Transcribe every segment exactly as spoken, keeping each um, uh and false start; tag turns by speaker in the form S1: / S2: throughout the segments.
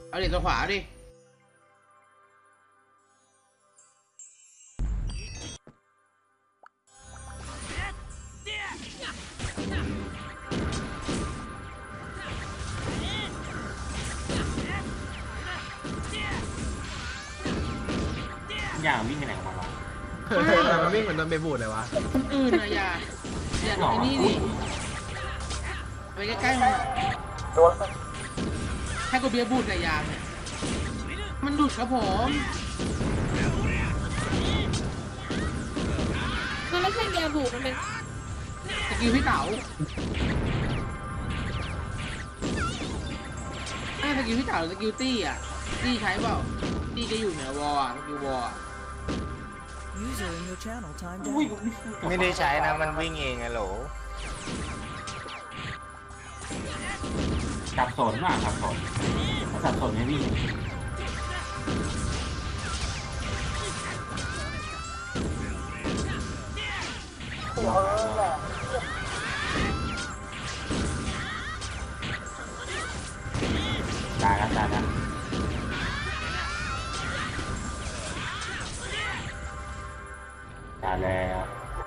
S1: เอาเด็กตัวขวาดิ
S2: อย่างวิ่งไปไหนของมันวะ
S3: เฮ้ยมันวิ่งเหมือนโดนเบบูดเลยวะ
S1: คนอื่นนะอย่าอย่าไอ้นี่ดิไปใกล้ๆมันให้กูเบียร์บูดในยางเนี่ยมันดุดครับผม
S4: มันไม่ใช่เบียร์บูมันเป็น
S1: สกิลพี่เต๋าไอ้สกิลพี่เต๋าสกิลตี้อ่ะตี้ใช้เปล่าตี้จะอยู่เหนือวอลอ่ะสกิลวอลอ่ะ
S5: User in your channel timed
S2: อุ้ย
S5: out.
S6: ไม่ได้ใช้นะมันวิ่งเองอะโหล
S2: สับสนว่ะสับสนสับสนไม่วิ่งตายแล้วตายแล้วตายแล้ว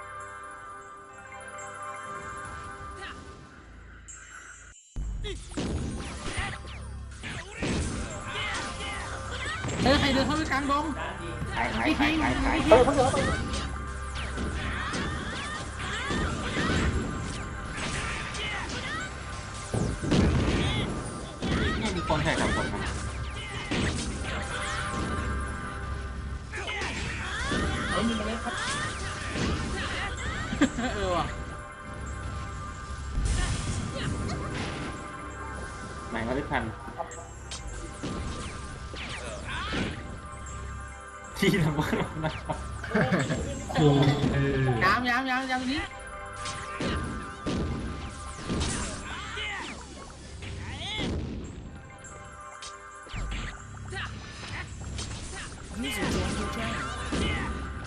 S1: เออใครเดินเข้าไปกลางดง
S2: ใครใครใครใครใครเนี่ยมีคนใส่สับสนมัน
S1: เออว่ะ
S2: แม่งก็ได้ทันที่ทำว่านะครับโอ้ย
S1: ย้ำย้ำย้ำย้ำนี้
S5: User joined your channel.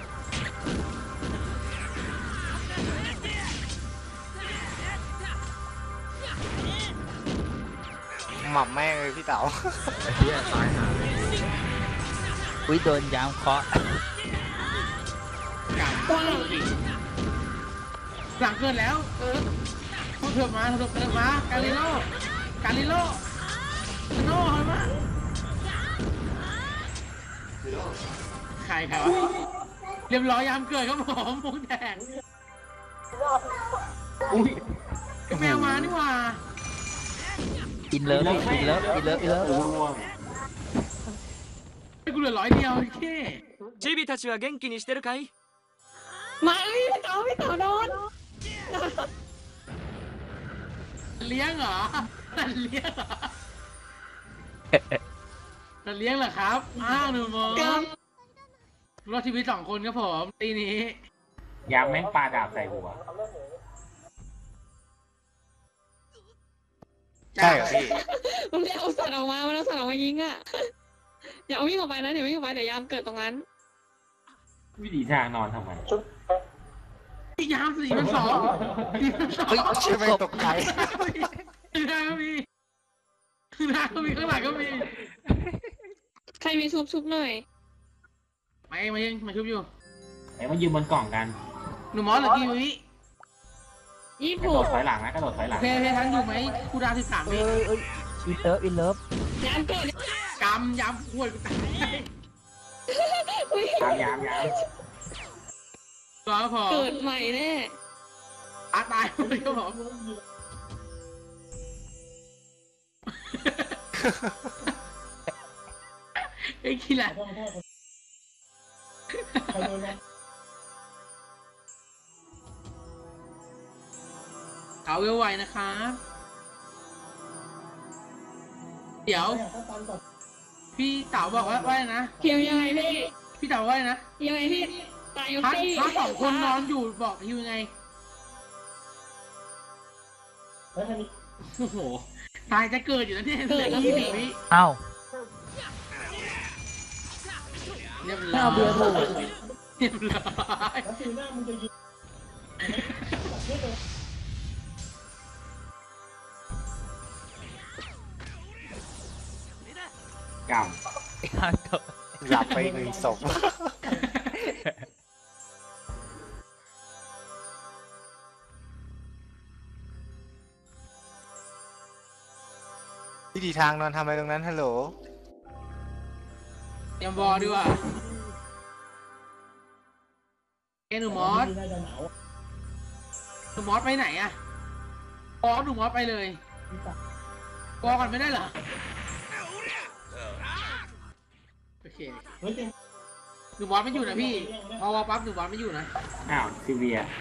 S6: หมับแม่งเลยพี่เต๋า
S3: ไอ้เหี้ยตายหา
S7: อุ้ยโดนยามเคาะ
S1: กลางหลังเกินแล้วเออพูดเถอะมาเถอะเถอะมาการิโลการิโลกาโน่เฮ้ยมาใครใครวะเรียบร้อยยามเกิดครับผมมุ้งแดง
S2: อุ้ย
S1: แมวมานี่หว่า
S7: อินเลิฟอินเลิฟอินเลิฟอินเลิฟ
S2: ร่วง
S1: ไอ้กูเหลือร้อยเดียวแค่
S8: チビたちは元気にしてるかい？
S4: มาพี่เต๋าพี่เต๋าโดน
S1: เลี้ยงเหรอสัตว์เลี้ยงเหรอสัตว์เลี้ยงเหรอครับอ้าวหนูโมรอดชีวิตสองคนครับผมตีนี้
S2: ยามแม่งปาดาบใส่หัว
S6: ใช่เหรอพี่
S4: มันไม่เอาสัตว์ออกมามันเอาสัตว์ออกมายิงอ่ะอย่าเอาวิ่งออกไปนะเดี๋ยววิ่งออกไปเดี๋ยวยามเกิดตรงนั้น
S2: วิธีทางนอนทำไม
S1: พี่ยามสี่มันสองสี่มันสอง
S6: เฮ้ยใช่ไหมตกใจ
S1: ข้างหน้าก็มีข้างหน้าก็มีข้างหลังก็มี
S4: ใครมีซุปซุปหน่อย
S1: มาเองมาเองมาชุบอยู่
S2: ไอ้มันยืนบนกล่องกัน
S1: หนูมอสเหรือกี่วิ
S4: ยี่
S2: กระ
S4: ผู
S2: โด
S4: ก
S2: ดถอยหลังนะกระโดดถอยหลัง
S1: เพย์เพย์ทันอยู่ไหมคูดาวสิบสาม
S7: เอ้
S1: วิ
S7: ยเอ้ยอินเลิฟอินเลิฟ
S4: ยามเกิด
S1: กำยำขวดกูตาย
S4: อุ๊ย
S2: ยามยามยาม
S1: ตัวพอ
S4: เกิดใหม่แน่
S1: อาตายเลยครับผมไอ้ขี้แหละเอาไวๆนะครับ เดี๋ยว พี่เต๋าบอกว่าว่าไงนะ
S4: เคียวยังไงพี่
S1: พี่เต๋าว่าไงนะ
S4: ยังไงพี่ตายยก
S1: พัด
S4: ตี้
S1: พัดสองคนนอนอยู่บอกฮิวยังไงโอ้โหตายจะเกิดอยู่แล้วเนี่ยเหลือยี่สิบวิ
S7: เอ้า
S1: เรียบร้อยเรียบร้อย
S2: กรรม
S6: หลับไปอีกหนึ่งศพวิธีทางนอนทำอะไรตรงนั้นฮัลโหล
S1: เตรียมบอลดีกว่าเอหนูมอสหนูมอสไปไหนอะบอสหนูมอสไปเลยบอลก่อนไม่ได้เหรอโอเคหนูมอสไม่อยู่นะพี่พอวอลปั๊บหนูมอสไม่อยู่นะ
S2: อ้าวซีเวีย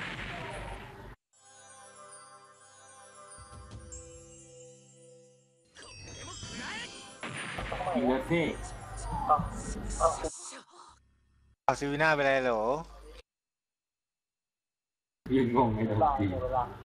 S2: อีเลิฟพี่
S6: เอาซิวิน่าไปเลยฮัลโหล
S2: ยืนงงในทันที